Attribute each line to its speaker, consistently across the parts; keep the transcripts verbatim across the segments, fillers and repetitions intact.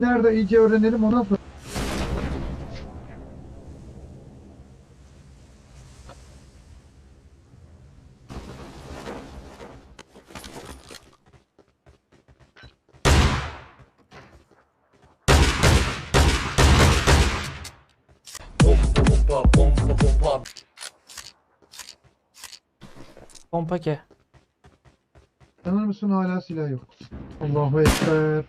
Speaker 1: Nerede iyice öğrenelim ondan sonra.
Speaker 2: Pompa pompa pompa.
Speaker 3: Pompa ke.
Speaker 1: Tanır mısın hala silah yok. Allahu Ekber.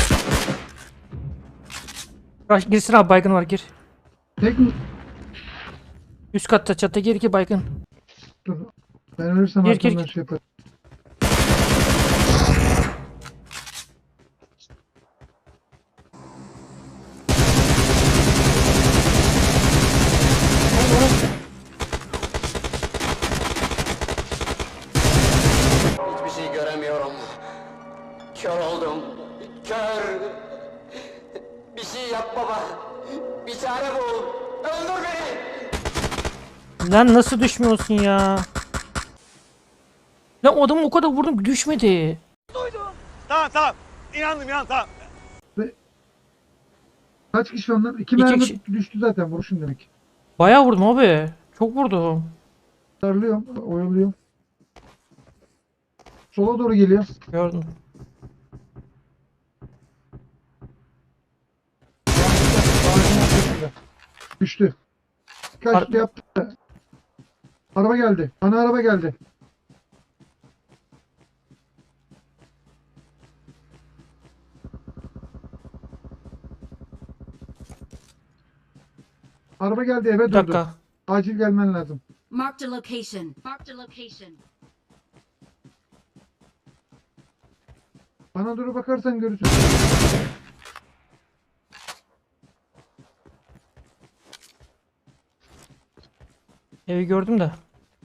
Speaker 3: Rush girsin abi, baygın var, gir.
Speaker 1: Tek mi?
Speaker 3: Üst katta çatta gir ki baygın.
Speaker 1: Dur. Ben ölürsem
Speaker 3: Gir, gir,
Speaker 1: arkamdan
Speaker 3: gir.
Speaker 1: şey yaparım.
Speaker 2: Hiçbir şey göremiyorum. Kör oldum. Kör. Bir şey yap baba. Bir çare bul. Öldür beni.
Speaker 3: Lan nasıl düşmüyorsun ya? Lan o adamı o kadar vurdum, düşmedi.
Speaker 4: Tamam tamam. İnandım inandım tamam.
Speaker 1: Kaç kişi onlar? İki
Speaker 3: İki
Speaker 1: mermi
Speaker 3: kişi.
Speaker 1: düştü zaten vuruşun demek.
Speaker 3: Bayağı vurdum abi. Çok vurdum.
Speaker 1: Darlıyorum, oyalıyorum. Sola doğru geliyor.
Speaker 3: Gördüm.
Speaker 1: Ağacın arkasında. Düştü. Kaçtı
Speaker 3: Ar-
Speaker 1: yaptı. Araba geldi. Ana araba geldi. Araba geldi eve
Speaker 3: Bir
Speaker 1: durdu.
Speaker 3: dakika.
Speaker 1: Acil gelmen lazım.
Speaker 5: Marked a location. Marked a location.
Speaker 1: Bana doğru bakarsan görürsün.
Speaker 3: Evi gördüm de.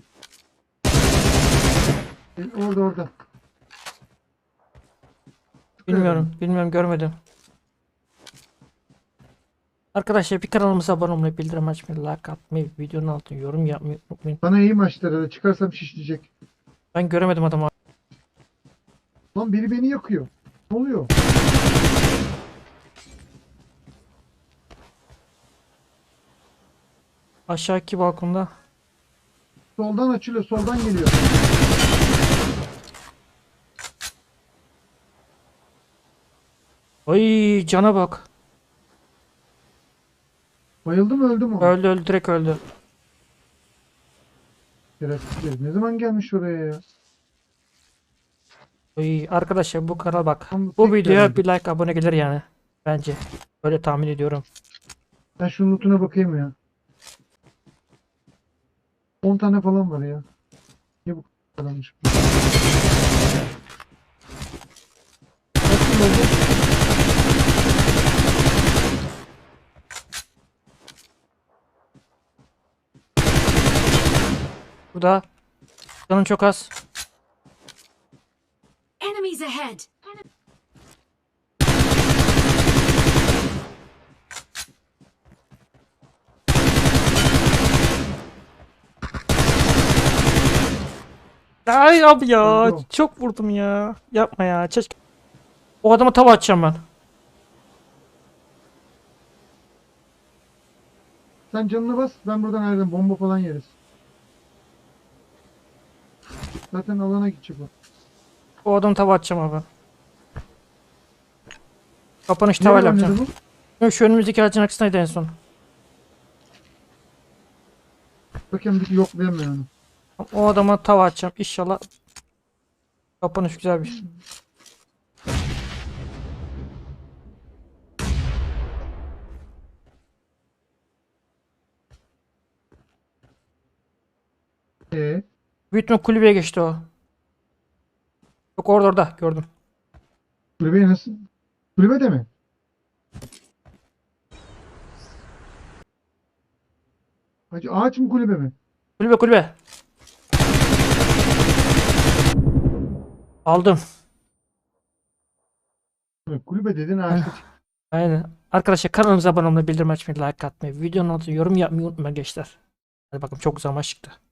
Speaker 1: E, Orada orada.
Speaker 3: Bilmiyorum. Bilmiyorum, görmedim. Arkadaşlar bir kanalımıza abone olmayı, bildirim açmayı, like atmayı, videonun altına yorum yapmayı unutmayın.
Speaker 1: Bana iyi maçlara çıkarsam şişleyecek.
Speaker 3: Ben göremedim adamı.
Speaker 1: Lan biri beni yakıyor. Ne oluyor?
Speaker 3: Aşağıki balkonda.
Speaker 1: Soldan açılıyor, soldan geliyor.
Speaker 3: Ay cana bak.
Speaker 1: Bayıldı mı öldü mü?
Speaker 3: Öldü öldü, direkt öldü.
Speaker 1: Şerefsiz. Ne zaman gelmiş oraya ya?
Speaker 3: Ay arkadaşlar, bu kanal bak.
Speaker 1: Tam
Speaker 3: Bu
Speaker 1: tek
Speaker 3: videoya
Speaker 1: gelmedi.
Speaker 3: bir like, abone gelir yani. Bence. Öyle tahmin ediyorum.
Speaker 1: Ben şunun lootuna bakayım ya. on tane falan var ya. Niye bu kadarmış? Nasıl oldu?
Speaker 3: Bu da canım çok az.
Speaker 5: Enemies ahead.
Speaker 3: Ay abi ya,
Speaker 1: Öldü o.
Speaker 3: çok vurdum ya. Yapma ya. Çek. O adama tava atacağım ben.
Speaker 1: Sen canına bas. Ben buradan ayrılırım. Bomba falan yeriz. Zaten alana gidecek o.
Speaker 3: O adama tava atacağım abi. Kapanış
Speaker 1: Nereye
Speaker 3: tavayla
Speaker 1: oynadı
Speaker 3: yapacağım.
Speaker 1: bu?
Speaker 3: Yok, şu önümüzdeki ağacın arkasındaydı en son.
Speaker 1: Bakayım bir yoklayamıyor onu.
Speaker 3: O adama tava atacağım. İnşallah kapanış güzel bir.
Speaker 1: Ee,
Speaker 3: Büyük ihtimal kulübeye geçti o. Yok, orada orada gördüm.
Speaker 1: kulübeye nasıl? Kulübede mi? Hacı ağaç mı kulübe mi?
Speaker 3: Kulübe kulübe. Aldım.
Speaker 1: Evet, kulübe dedin ağaçta.
Speaker 3: Aynen. Arkadaşlar kanalımıza abone olmayı, bildirim açmayı, like atmayı, videonun altına yorum yapmayı unutmayın gençler. Hadi bakalım, çok güzel maç çıktı.